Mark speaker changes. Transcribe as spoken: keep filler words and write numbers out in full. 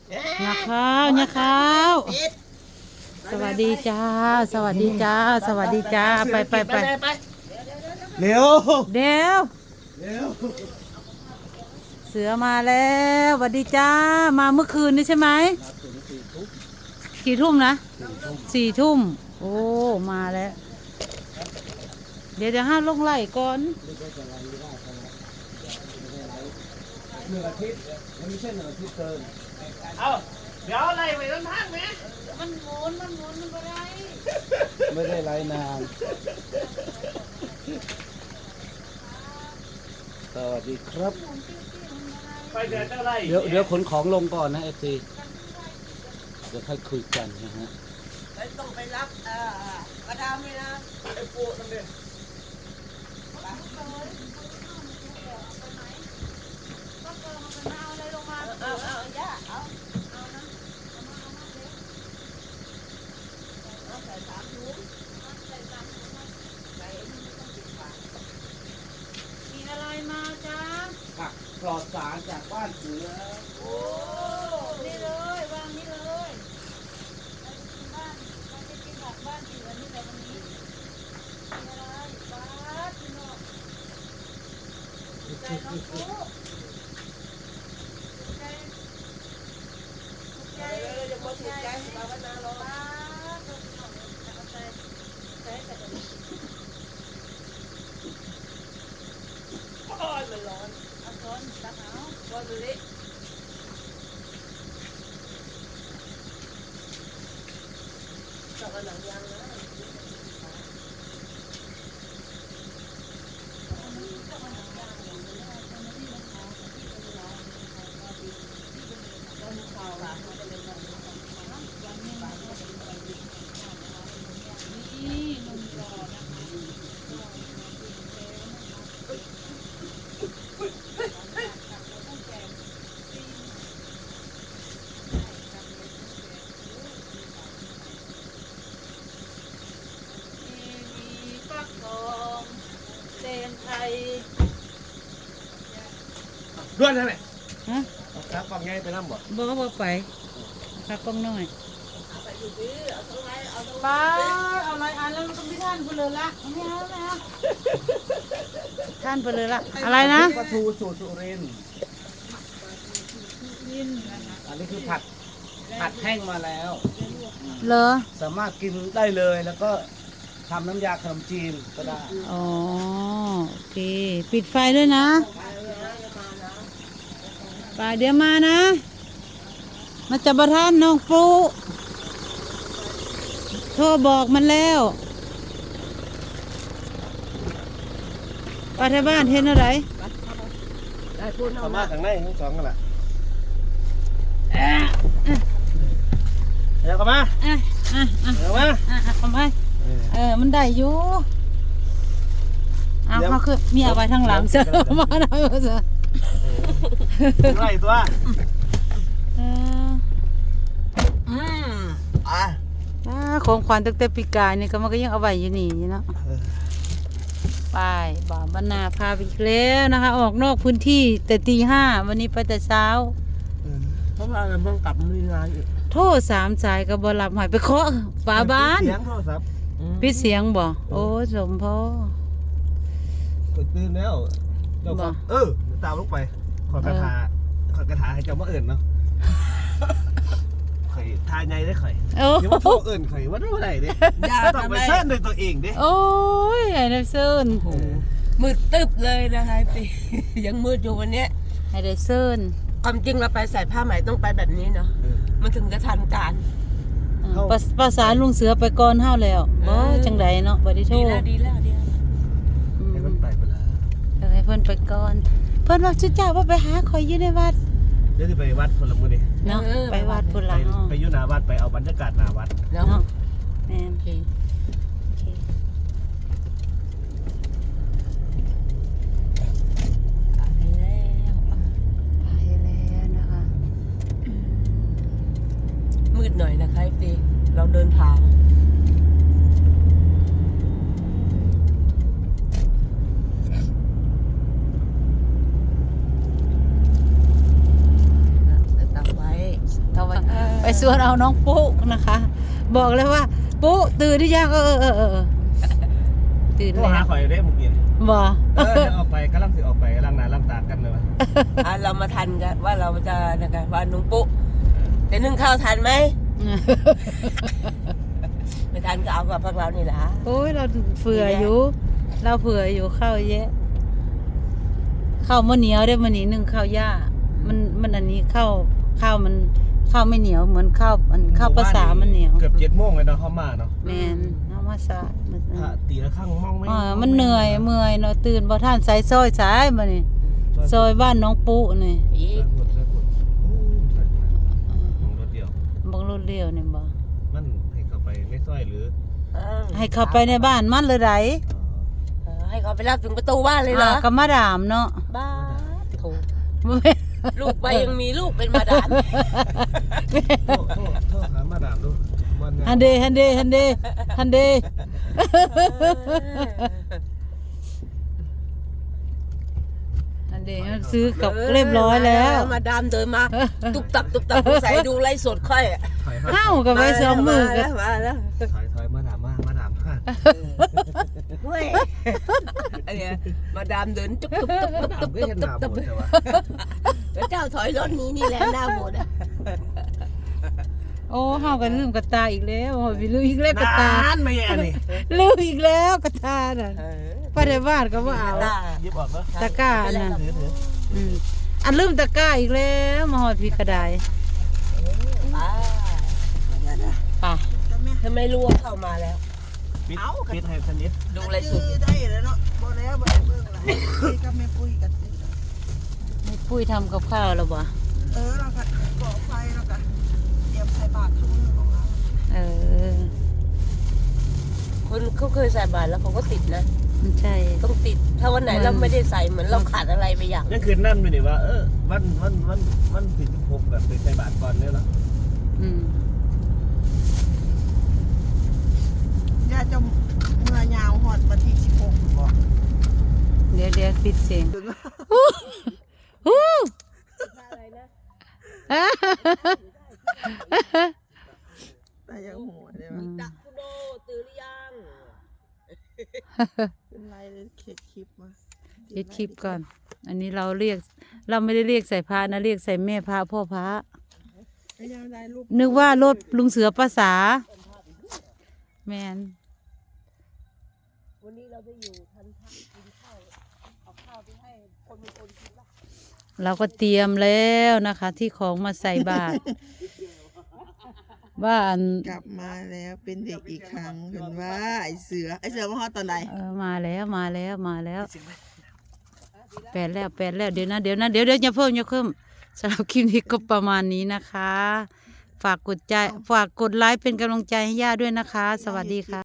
Speaker 1: ยาข้าวยาข้าวสวัสดีจ้าสวัสดีจ้าสวัสดีจ้าไปไปไป
Speaker 2: เร็ว
Speaker 1: เดี๋ยว
Speaker 2: เร็ว
Speaker 1: เสือมาแล้วสวัสดีจ้ามาเมื่อคืนนี่ใช่ไหมกี่ทุ่มนะสี่ทุ่มโอ้มาแล้วเดี๋ยวเดี๋ยวห้าลงไหลก่อน
Speaker 2: หนึ่งอาทิตย์มันไม่ใช่หนึ่งอาทิตย์เกิน
Speaker 3: เอาเดี๋ยวอะไรไปต้นทางไหม
Speaker 1: มันหมุนมันหมุนมันอะไร
Speaker 2: ไม่ได้ไล่นานสวัสดีครับ
Speaker 3: ไปเดินเท่าไร
Speaker 2: เดี๋ยวเดี๋ยวขนของลงก่อนนะเอฟซีเดี๋ยวค่อยคุยกันนะฮะ
Speaker 4: ต้องไปรับเอ่อกระดามเลยนะ
Speaker 3: ไอ้ปูนั่นเอง
Speaker 4: เอาเอาย่าเอาเอานะเอาใส่สามถุงใส่สามถุงใส่
Speaker 1: มีอะไรมาจ้า
Speaker 2: ผักปลอดสารจากบ้านเสือ
Speaker 1: โอ้นี่เลยวางนี่เลยเราจะกินบ้านเราจะกินผักบ้านเสือนี่แหละวันนี้มีอะไรบ้านพี่น้องใจน้องปุ๊ใจใจ
Speaker 4: เดี๋ยวจะมาถูกใจให้ภาวนาลง
Speaker 1: บ้านพี่น้องเอาใจใจแต่เดี๋ยว
Speaker 4: โอ้ยมันร้อน
Speaker 1: เอาช้อนตักเอา
Speaker 4: ร้อนมันเละต้องเอาหนังยางนะ
Speaker 1: นี่นมกรอบนะคะมีฟักทองแตงไทย
Speaker 2: ด้วนใช่ไหม
Speaker 1: ฮะ
Speaker 2: ครับฟังง่ายไปน้ำบ่
Speaker 1: บอกว่าบ่ไปพักกล้องหน่อย
Speaker 4: เอาไปอยู่ดีเอาตรงไหนเอาตรง
Speaker 1: ป้าเอาอะไรอันแล้วก็ไม่ท่านเพลินละไม่เอาแล้วนะท่านเพลินละอะไรนะ
Speaker 2: ปลาทูสูตรสุรินทร์อันนี้คือผัดผัดแห้งมาแล้ว
Speaker 1: เหรอ
Speaker 2: สามารถกินได้เลยแล้วก็ทำน้ำยาขนมจีนก็ได้
Speaker 1: อ๋อโอเค ปิดไฟด้วยนะป่าเดี๋ยวมานะ มาจับประทานน้องปูโทรบอกมันแล้วป้าที่บ้านเห็นอะไร
Speaker 4: ได้พูดเอา
Speaker 2: สา
Speaker 4: าม
Speaker 2: มารถทางในทั้งสองกันแหละเดี๋ยวกันมา
Speaker 1: อ่ะอ่ะอ่ะ
Speaker 2: เดี๋ยวมา
Speaker 1: อ่ะอ่ะทำไปเออมันได้อยู่เอา
Speaker 2: เดี๋ยว
Speaker 1: เขาคือมีเอาไว้ทางหลังเสือมาหน่อยเสือ
Speaker 2: ไรตัว
Speaker 1: เออ
Speaker 4: อืมอ่ะ
Speaker 1: อ่าของขวัญตั้งแต่ปีกายนี่ก็มันก็ยังเอาไว้อยู่นี่เนาะไปบ่าวบรรณาพาไปอีกแล้วนะคะ ออกนอกพื้นที่แต่ตีห้าวันนี้ไปแต่เช้า
Speaker 2: เพราะว่าเราเพิ่งกลับมีงานอีก
Speaker 1: โทษสามสายกับบอลับหายไปเคาะฝาบ้าน
Speaker 2: เสียงโทรศัพท์
Speaker 1: ปิดเสียงบ่โอ้สมพ่อก
Speaker 2: ดตื่นแล้วเจ้าก็เออตามลูกไปขอกระถาขอกระถาให้เจ้ามาเอิ่นเนาะข่อยทายไงได้ข่อย
Speaker 1: โอ้
Speaker 2: เดี๋ยวมาโทรเอิ่นข่อยว่ารู้ไหนเด้ต้องไปเส้นด้วยตัวเองเด้
Speaker 1: โอ้ยไอ้เนฟเซิน
Speaker 4: มืดตึบเลยนะคะพี่ ยังมืดอยู่วันเนี้ย
Speaker 1: ไอ้เดเซิน
Speaker 4: ความจริงเราไปใส่ผ้าไหมต้องไปแบบนี้เนาะมันถึงจะทันการ
Speaker 1: ภาภาษาลุงเสือไปก่อนเฮาแล้วบ่จังไดเนาะบ่ได้โทร
Speaker 4: ดีแล้วดีแล้วดีแล้ว
Speaker 1: อืม
Speaker 2: ให้มันไปไปแล้ว
Speaker 1: เออให้เพิ่นไปก่อน เพิ่นว่าจุเจ้าว่าไปหาข่อยอยู่ในวัด
Speaker 2: เดี๋ยวจะไปวัดพลมือนี่
Speaker 1: เนาะไปวัดพุ่น
Speaker 2: ไป
Speaker 1: ละเนาะ
Speaker 2: ไปอยู่หน้าวัดไปเอาบรรยากาศหน้าวัด
Speaker 4: เนาะ
Speaker 1: เนาะแม่น
Speaker 4: โอเค
Speaker 1: โอเค
Speaker 4: ไปแล้ว
Speaker 1: ไปแล้วนะคะ
Speaker 4: มืดหน่อยนะคะพี่เราเดินทางตักไว้
Speaker 1: ถไปสวนเอาน้องปุ๊นะคะ บอกเลยว่า ปุ๊ตื่นหรือยังเออเออเออเออตื่น
Speaker 2: โทร
Speaker 1: แล้ว
Speaker 2: หาข่อยได้เมื่อกี้
Speaker 1: บ่
Speaker 2: เออจะออกไปกำลังสิออกไปล้างหน้าล้างตากันเลยวะ
Speaker 4: อ่ะเรามาทันกันว่าเราจะนะคะว่านุ้งปุ๊จะนึ่งข้าวทันไหมไม่ทันก็เอากับพวกเรานี่แหละ
Speaker 1: โอ้ยเราเผื่ออยู่ เราเผื่ออยู่ข้าวเยอะข้าวมันเหนียวได้มันนี้นึ่งข้าวย่ามันมันอันนี้ข้าวข้าวมันข้าวไม่เหนียวเหมือนข้าวอันข้าวภาษามันเหนียว
Speaker 2: เกือบเจ็ดโมงเลยเนาะเข้ามาเนาะ
Speaker 1: แมนน้ำมาสาดมัน
Speaker 2: พระตีละข้างมองไม่
Speaker 1: อ่ามันเหนื่อยเมื่อยเนาะตื่นบ่ท่านใส่ซอยสายมานี่ซอยบ้านน้องปุ๊นี่
Speaker 4: อี
Speaker 2: ใส่
Speaker 4: ก
Speaker 2: ปวดใส่ปวดโอ้ใส่ปวดของรถเดียว
Speaker 1: บังรถเลี้ยวนี่บ่
Speaker 2: มันให้เข้าไปไม่ซ้อยหรือ
Speaker 4: เออ
Speaker 1: ให้เข้าไปในบ้านมันเลยได
Speaker 2: เอ่อ
Speaker 4: เออให้เขาไปรับถึงประตูบ้านเลยเหรอ
Speaker 1: อ่าก็มาดามเนาะ
Speaker 4: บ้าโถ
Speaker 1: บ่แม่น
Speaker 4: ลูกไปยังมีลูกเป็นมาดาม
Speaker 2: โทษโทษโทษหามาดามดูมันไง
Speaker 1: ฮันเดฮันเดฮันเดฮันเดฮันเดซื้อกับเรียบร้อยแล้ว
Speaker 4: มาดามเดินมา ตุบตับตุบตับใส่ดูไลฟ์สดค่อยอะ
Speaker 2: ถอยถอย
Speaker 1: เอ้ากับไว้สองมือ
Speaker 4: มา
Speaker 1: กั
Speaker 4: แล้วมาแล้ว
Speaker 2: ถอยถอยมาดามมามาดามค่ะ
Speaker 4: เว้ยอันเนี้ยมาดามเดินตุ๊บตุ๊บตุ๊บ
Speaker 2: ดาม
Speaker 4: ตุ๊บ
Speaker 2: ก็
Speaker 4: ตุ๊บ
Speaker 2: เห็น
Speaker 4: ตุ๊
Speaker 2: ดา
Speaker 4: บ
Speaker 2: ม
Speaker 4: ตุ๊บ
Speaker 2: หมดแต่ว่า
Speaker 4: แล้วเจ้าถอยรถนี้นี่แหละหน้าหมดอ่ะ
Speaker 1: โอ้เฮาก็ลืมกระตาอีกแล้วโอ้ยลืมอีกแล้วกระตาน
Speaker 2: านไม่แย่นี่
Speaker 1: ลืมอีกแล้วกระตาน่ะไปในบ้านก็ว่าเอา
Speaker 4: ตา
Speaker 2: ยิบออกแล้ว
Speaker 1: ตะกร้าน่ะ
Speaker 2: ถือถือ
Speaker 1: อืมอันลืมตะกร้าอีกแล้วมาหอดพี่กระได
Speaker 4: ป้า
Speaker 1: ไป่ะ
Speaker 4: ทำไมรู้ว่าเข้ามาแล้ว
Speaker 2: ปิดปิดให้สนิท
Speaker 4: ดูไลฟ์สด
Speaker 5: ได้แล้วเนาะบ่แล้วบ่ได้เบิ่งละคุยกับแม่ปุ้ยกันสิ
Speaker 1: ให้ปุ้ยทำกับข้าวแล้วบ่
Speaker 5: เออเราก็ก่อไฟแล้วก็เตรียมใส่บาตรทุกมื้อของเรา
Speaker 1: เออ
Speaker 4: คนเขาเคยใส่บาตรแล้วเขาก็ติดนะ
Speaker 1: มันใช่
Speaker 4: ต้องติด ถ้าวันไหนเราไม่ได้ใส่เหมือนเราขาดอะไรไปอย่าง
Speaker 2: ยังคืนนั่นไปดิว่าเออวันวันวันวันผิดพบกันไปใส่บาตรก่อนเนี่ยเนาะ
Speaker 1: อืม
Speaker 5: ย่าจะเมื่อยาวฮอดวันที่สิบหกบ่
Speaker 1: เดี๋ยวเดี๋ยวปิดเสียง
Speaker 5: ถึงว่า
Speaker 1: ฮู้
Speaker 4: อะไรนะ
Speaker 5: แต่ยังหัวได้
Speaker 1: อื
Speaker 5: มั้ย
Speaker 1: ม
Speaker 4: ดักคุณโดตื่นหรือยัง
Speaker 5: เป็นไรเลยเข็ดคลิปมา
Speaker 1: ปิดคลิปก่อน อันนี้เราเรียก เราไม่ได้เรียกใส่พระนะเรียกใส่แม่พระพ่อพระ
Speaker 5: ไม่ยังได้รูป
Speaker 1: นึกว่ารถลุงเสือภาษา แมน
Speaker 4: วันนี้เราได้อยู่ทันทันกินข้าวเอาข้าวไปให้คนบางคนกินละ
Speaker 1: เราก็เตรียมแล้วนะคะ ที่ของมาใส่บาตร ว่าอัน
Speaker 5: กลับมาแล้วเป็นเด็กอีกครั้งเห็นว่าไอเสือไอเสือมาฮอดตอนไหน
Speaker 1: เออมาแล้วมาแล้วมาแล้วแปดแล้วแปดแล้วเดี๋ยวนะเดี๋ยวนะเดี๋ยวเดี๋ยวอย่าเพิ่มอย่าเพิ่มสำหรับคลิปนี้ก็ประมาณนี้นะคะ ฝากกดใจฝากกดไลค์เป็นกำลังใจให้ย่าด้วยนะคะ สวัสดีค่ะ